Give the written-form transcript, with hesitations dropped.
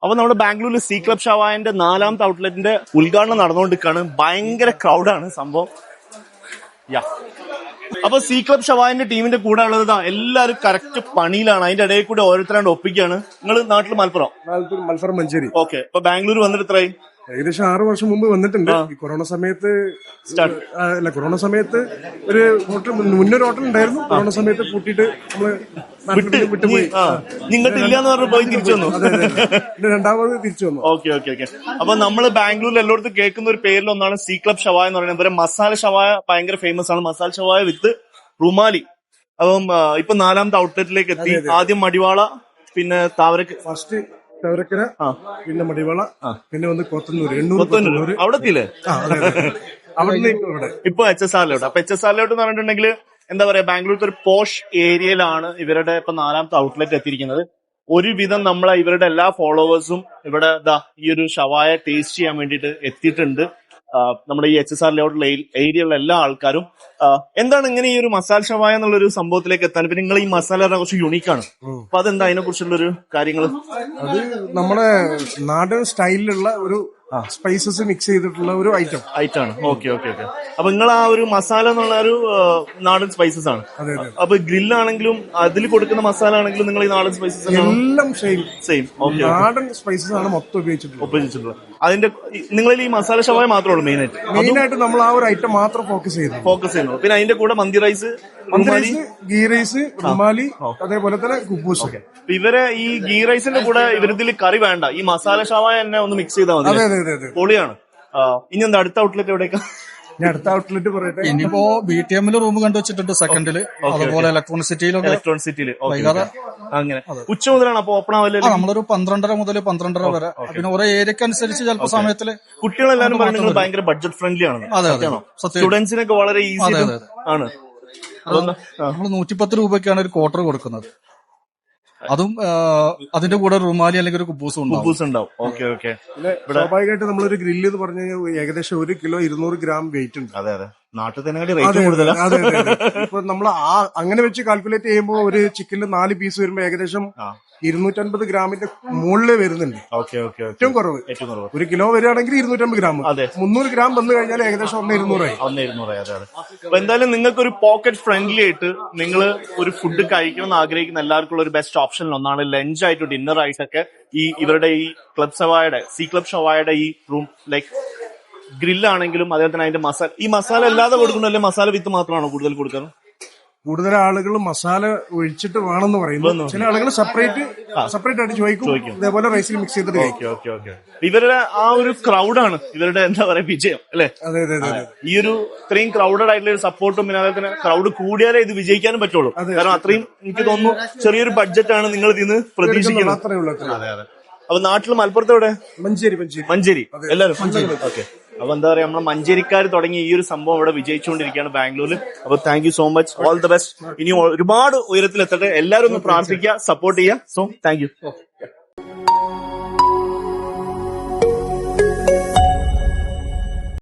അപ്പൊ നമ്മുടെ ബാംഗ്ലൂരിൽ സി ക്ലബ് ഷവായന്റെ 4ാമത്തെ ഔട്ട്ലെറ്റിന്റെ ഉദ്ഘാടനം നടന്നുകൊണ്ടിരിക്കുകയാണ്. ഭയങ്കര ക്രൗഡാണ് സംഭവം. അപ്പൊ സി ക്ലബ് ഷവായന്റെ ടീമിന്റെ കൂടെ ഉള്ളത് എല്ലാവരും കറക്റ്റ് പണിയിലാണ്. അതിന്റെ ഇടയിൽ കൂടെ ഓരോരുത്തരാണ്ട് ഒപ്പിക്കുകയാണ്. നിങ്ങൾ നാട്ടിൽ മലപ്പുറം മഞ്ചേരി. ഓക്കെ. ഇപ്പൊ ബാംഗ്ലൂർ വന്നിട്ട് എത്രയായി? ഏകദേശം 6 വർഷം മുമ്പ് വന്നിട്ടുണ്ട്. ഈ കൊറോണ സമയത്ത് ഒരു ഹോട്ടൽ, മുന്നൊരു ഹോട്ടൽ ഉണ്ടായിരുന്നു. കൊറോണ സമയത്ത് പൂട്ടിയിട്ട് നമ്മള് വിട്ടുപോയി. നിങ്ങൾക്ക് ഇല്ലാന്ന് പറഞ്ഞു പോയി തിരിച്ചു വന്നു. രണ്ടാമത് തിരിച്ചു വന്നു. Okay okay okay. അപ്പൊ നമ്മള് ബാംഗ്ലൂരിൽ എല്ലായിടത്തും കേൾക്കുന്ന ഒരു പേരിലൊന്നാണ് സി ക്ലബ് ഷവായ എന്ന് പറയുന്നത്. ഇവരെ മസാല ഷവായ ഭയങ്കര ഫേമസ് ആണ്. മസാല ഷവായ വിത്ത് റുമാലി. അപ്പം ഇപ്പൊ 4ാമത്തെ ഔട്ട്ലെറ്റിലേക്ക് എത്തി. ആദ്യം മടിവാള, പിന്നെ ഫസ്റ്റ് തവരക്കര, പിന്നെ മടിവാള, പിന്നെ വന്ന് കൊത്തന്നൂര്. അവിടെ എത്തിയില്ലേ? ഇപ്പൊ HSRലോട്ട്. അപ്പൊ HSRലോട്ട് എന്ന് പറഞ്ഞിട്ടുണ്ടെങ്കിൽ എന്താ പറയാ, ബാംഗ്ലൂരിലത്തെ ഒരു പോഷ് ഏരിയയിലാണ് ഇവരുടെ ഇപ്പൊ 4ാമത്തെ ഔട്ട്ലെറ്റ് എത്തിയിരിക്കുന്നത്. ഒരുവിധം നമ്മളെ ഇവരുടെ എല്ലാ ഫോളോവേഴ്സും ഇവിടെ ഈ ഒരു ഷവായ ടേസ്റ്റ് ചെയ്യാൻ വേണ്ടിയിട്ട് എത്തിയിട്ടുണ്ട്. നമ്മുടെ ഈ HSR ലേഔട്ടുള്ള ഏരിയയിലുള്ള എല്ലാ ആൾക്കാരും. എന്താണ് ഇങ്ങനെ ഈ ഒരു മസാല ഷവായ എന്നുള്ള ഒരു സംഭവത്തിലേക്ക് എത്താൻ? പിന്നെ നിങ്ങൾ ഈ മസാല കുറച്ച് യുണീക്കാണ്. അപ്പൊ അതെന്താ അതിനെ കുറിച്ചുള്ളൊരു കാര്യങ്ങൾ? അത് നമ്മുടെ നാടൻ സ്റ്റൈലിലുള്ള ഒരു സ്പൈസസ് മിക്സ് ചെയ്തിട്ടുള്ള ഒരു ഐറ്റം ആണ്. Okay okay okay. അപ്പൊ നിങ്ങൾ ആ ഒരു മസാല എന്നുള്ള ഒരു നാടൻ സ്പൈസസ് ആണ്. അപ്പൊ ഗ്രില്ലാണെങ്കിലും അതിൽ കൊടുക്കുന്ന മസാല ആണെങ്കിലും നിങ്ങൾ ഈ നാടൻ സ്പൈസസ് എല്ലാം സെയിം നാടൻ സ്പൈസസ് ആണ് മൊത്തം ഉപയോഗിച്ചിട്ടുള്ളത്. അതിന്റെ നിങ്ങളിൽ ഈ മസാല ഷവായ മാത്രമേ ഉള്ളൂ മെയിനായിട്ട് നമ്മൾ ആ ഒരു ഐറ്റം മാത്രം ഫോക്കസ് ചെയ്യുന്നു. പിന്നെ അതിന്റെ കൂടെ മന്തി റൈസ്, ഗീ റൈസ്, റുമാലി, അതേപോലെ തന്നെ കുബൂസ്. ഇവരെ ഈ ഗീ റൈസിന്റെ കൂടെ ഇവരിതിൽ കറി വേണ്ട, ഈ മസാല ഷവായ തന്നെ ഒന്ന് മിക്സ് ചെയ്താൽ മതി. പൊളിയാണ്. ഇനി എന്താ അടുത്ത ഔട്ട്ലെറ്റ് എവിടേക്കാ? ഞാൻ അടുത്ത ഔട്ട്ലെറ്റ് പറയട്ടെ. ഇനിയിപ്പോ BTM റൂം കണ്ടുവച്ചിട്ടുണ്ട് സെക്കൻഡില്, അതുപോലെ ഇലക്ട്രോണിക് സിറ്റിയിൽ അങ്ങനെ ഉച്ച മുതലാണ് അപ്പൊ ഓപ്പൺ ആവില്ല? നമ്മളൊരു 12:30 മുതൽ 12:30 വരെ. പിന്നെ ഓരോ ഏരിയക്ക് അനുസരിച്ച് ചിലപ്പോ സമയത്തില് കുട്ടികളെല്ലാരും പറയുന്നത് ഭയങ്കര ബഡ്ജറ്റ് ഫ്രണ്ട്ലി ആണ്. അതെ, സ്റ്റുഡൻസിനൊക്കെ വളരെ ഈസി ആണ്. നമ്മൾ 110 രൂപയ്ക്കാണ് ഒരു ക്വാർട്ടർ കൊടുക്കുന്നത്. അതും അതിന്റെ കൂടെ റുമാലി അല്ലെങ്കിൽ ഒരു കുബൂസ് ഉണ്ടാവും. Okay okay. സ്വാഭാവികമായിട്ട് നമ്മളൊരു ഗ്രില്ല് എന്ന് പറഞ്ഞു കഴിഞ്ഞാൽ ഏകദേശം 1 കിലോ 200 ഗ്രാം വെയിറ്റ് ഉണ്ട്. അതെ അതെ. നാട്ടിൽ തന്നെ റേറ്റ് കൂടുതലാണ്. ഇപ്പൊ നമ്മൾ അങ്ങനെ വെച്ച് കാൽക്കുലേറ്റ് ചെയ്യുമ്പോൾ ഒരു ചിക്കനിൽ 4 പീസ് വരുമ്പോ ഏകദേശം 250 ഗ്രാമിന്റെ മുകളിൽ വരുന്നുണ്ട്. ഏറ്റവും കുറവ് 1 കിലോ വരികയാണെങ്കിൽ 250 ഗ്രാം. 300 ഗ്രാം വന്നു കഴിഞ്ഞാൽ ഏകദേശം 1,200 ആയി. അപ്പൊ എന്തായാലും നിങ്ങൾക്ക് ഒരു പോക്കറ്റ് ഫ്രണ്ട്ലി ആയിട്ട് നിങ്ങൾ ഒരു ഫുഡ് കഴിക്കണമെന്ന് ആഗ്രഹിക്കുന്ന എല്ലാവർക്കും ഒരു ബെസ്റ്റ് ഓപ്ഷൻ ഒന്നാണ് ലഞ്ച് ആയിട്ട് ഡിന്നർ ആയിട്ടൊക്കെ ഈ ഇവരുടെ ഈ ക്ലബ് ഷവായയുടെ സി ക്ലബ് ഷവായയുടെ ഈ റൂം ലൈക്ക് ഗ്രില്ലാണെങ്കിലും അതേപോലെ തന്നെ അതിന്റെ മസാല, ഈ മസാല അല്ലാതെ കൊടുക്കണല്ലേ? മസാല വിത്ത് മാത്രമാണോ കൂടുതൽ കൊടുക്കുന്നത്? കൂടുതൽ ആളുകൾ മസാല ഒഴിച്ചിട്ട് വേണമെന്ന് പറയുന്നു. ചില ആളുകൾ സെപ്പറേറ്റ് ആയിട്ട് ചോദിക്കും. ഇതേപോലെ റൈസിൽ മിക്സ് ചെയ്തിട്ട് കഴിക്കും. ഇവരുടെ ആ ഒരു ക്രൗഡാണ് ഇവരുടെ എന്താ പറയാ വിജയം അല്ലെ? അതെ. ഈ ഒരു ഇത്രയും ക്രൗഡഡ് ആയിട്ടുള്ള ഒരു സപ്പോർട്ടും പിന്നെ അതുപോലെ തന്നെ ക്രൗഡ് കൂടിയാലേ ഇത് വിജയിക്കാനും പറ്റുള്ളൂ. കാരണം അത്രയും എനിക്ക് തോന്നുന്നു ചെറിയൊരു ബഡ്ജറ്റാണ് നിങ്ങൾ ഇതിന്ന് പ്രതീക്ഷിക്കുന്നത്. അതെ. അപ്പൊ നാട്ടിൽ മലപ്പുറത്ത് എവിടെ? മഞ്ചേരി. എല്ലാവരും ഓക്കെ. അപ്പൊ എന്താ പറയാ, നമ്മളെ മഞ്ചേരിക്കാർ തുടങ്ങി ഈ ഒരു സംഭവം ഇവിടെ വിജയിച്ചുകൊണ്ടിരിക്കുകയാണ് ബാംഗ്ലൂരിൽ. അപ്പൊ thank you so much, all the best. ഇനി ഒരുപാട് ഉയരത്തിലെത്തട്ടെ. എല്ലാവരും ഒന്ന് പ്രാർത്ഥിക്കുക, സപ്പോർട്ട് ചെയ്യുക. So thank U.